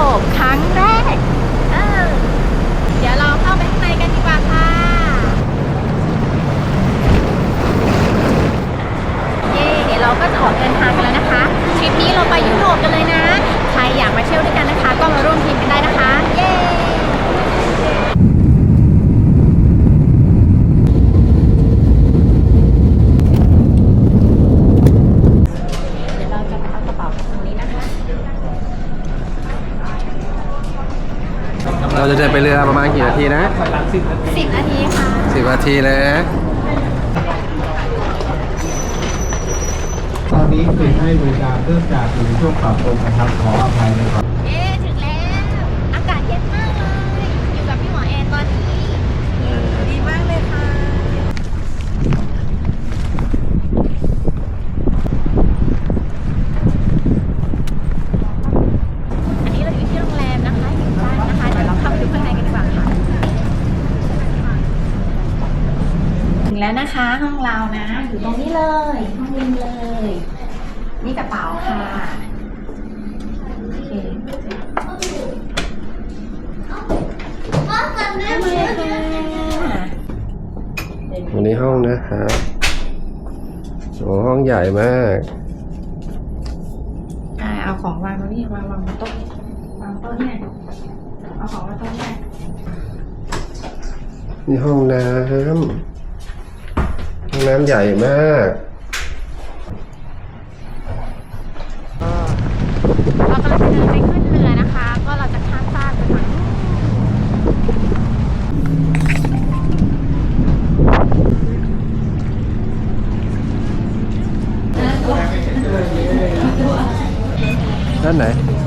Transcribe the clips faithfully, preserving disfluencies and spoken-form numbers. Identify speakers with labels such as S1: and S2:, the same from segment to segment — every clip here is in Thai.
S1: ปครั้งแรกเออเดี๋ยวเราเข้าไปข้างในกันดีกว่าค่ะเย่เดี๋ยวเราก็จะออกเดินทางกันแล้วนะคะทริปนี้เราไปยุโรปกันเลยนะใครอยากมาเที่ยวด้วยกันนะคะก็มาร่วมทีมกันได้นะคะเย่
S2: เราจะเดินไปเรือประมาณกี่นาทีนะ
S1: สิบนาทีค่ะ
S2: สิบนาทีเลยนะ
S3: ตอนนี้ปิดให้บริการเริ่มจากอยู่ในช่วงปรับปรุงนะครับขออภัยในความ
S1: เอ๊ะถึงแล้วอากาศเย็นมากเลยอยู่กับพี่หมอแอนตอนนี้ดีมากเลยค่ะอันนี้เราอยู่ที่โรงแรมนะคะอยู่บ้านนะคะเดี๋ยวเราเข้าไปดูข้างในกันดีกว่าค่ะถึงแล้วนะคะห้องเรานะอยู่ตรงนี้เลยห้องริมเลยนี่กระเป๋าค่ะโอเค
S2: วันนี้ห้องนะครับโอ้ห้องใหญ่มาก
S1: อ่าเอาของวางตรงนี้วางวางบนโต๊ะวางโต๊ะเนี่ยเอาของวางโต๊ะเนี่ย
S2: นี่ห้องน้ำห้องน้ำใหญ่มาก
S1: เรากำลังจะเดินไปขึ้นเรือนะคะก็เราจะข้ามฟากไปฝั่ง
S2: ด้านไหน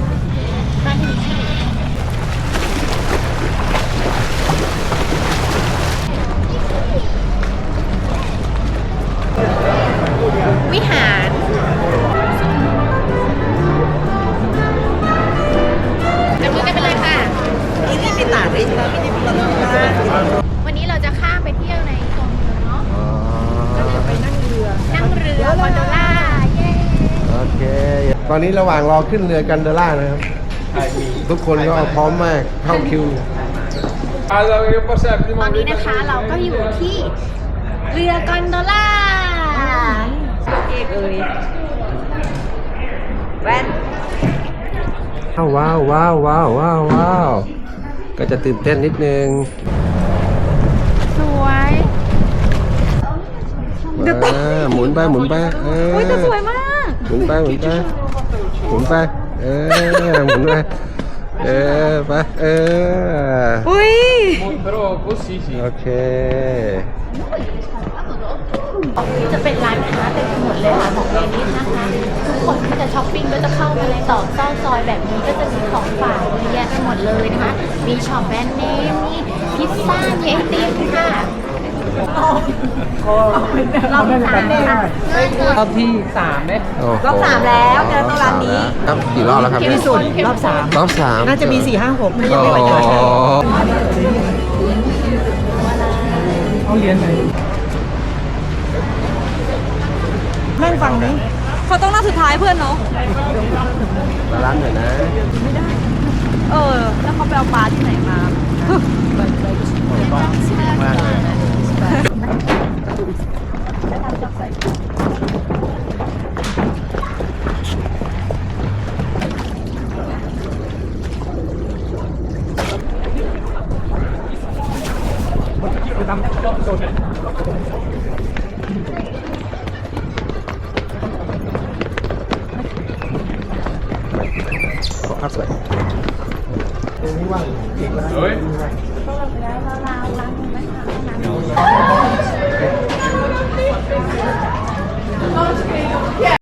S1: วิหารจับมือกันไปเลยค่ะวันนี้เราจะข้ามไปเที่ยวในโซนเมืองเนาะก็จะไปนั่งเรือนั่งเรือคอนโดล่าเย้
S2: โอเคตอนนี้ระหว่างรอขึ้นเรือกันโดล่านะครับทุกคนก็พร้อมมากเข้าคิว
S1: ตอนนี้นะคะเราก็อยู่ที่เรือกอนโดล่าเอกเอ้ยแว่น
S2: ว้าวว้าวว้าวว้าวว้าวก็จะตื่นเต้นนิดนึง
S1: สวย
S2: หมุนไปหมุนไปเออ
S1: โอ้ยจะสวยมาก
S2: หมุนไปหมุนไปหมุนไปเออหมุนไปเออไปเออ
S1: อุ้ย
S2: โอเค
S1: จะเป็นร้านค้าเต็มไปหมดเลยค่ะของเวนิสนะคะทุกคนที่จะช้อปปิ้งก็จะเข้ามาในตอกซอกซอยแบบนี้ก็จะมีของฝากเยอะแยะไปหมดเลยนะคะมีช็อปแบรนด์เนมมีพิซซ่ามีไอติมค่ะรอบสามค่ะ
S4: รอบที่สามไหม
S1: รอบสามแล้วเจอตรงร้านนี้
S2: ครับกี่รอบแล้วครับ
S1: ที่สุดรอบสาม
S2: รอบสาม
S4: น่าจะมีสี่ห้าหกไม่ยังไม่ไหวจะเอาเหรียญไหนนั่งฟังนี้
S1: เขาต้องนั่งสุดท้ายเพื่อนเนาะ
S2: บาลานซ์หน่อยนะ
S1: ไม่ได้เออแล้วเขาไปเอาปลาที่ไหนมา
S2: มากเลยขอภาพสวยตรงนี้ว่างเก่งแล้วเฮ้ยก็เราแล้วเราล้างล้างมือไหมคะล้าง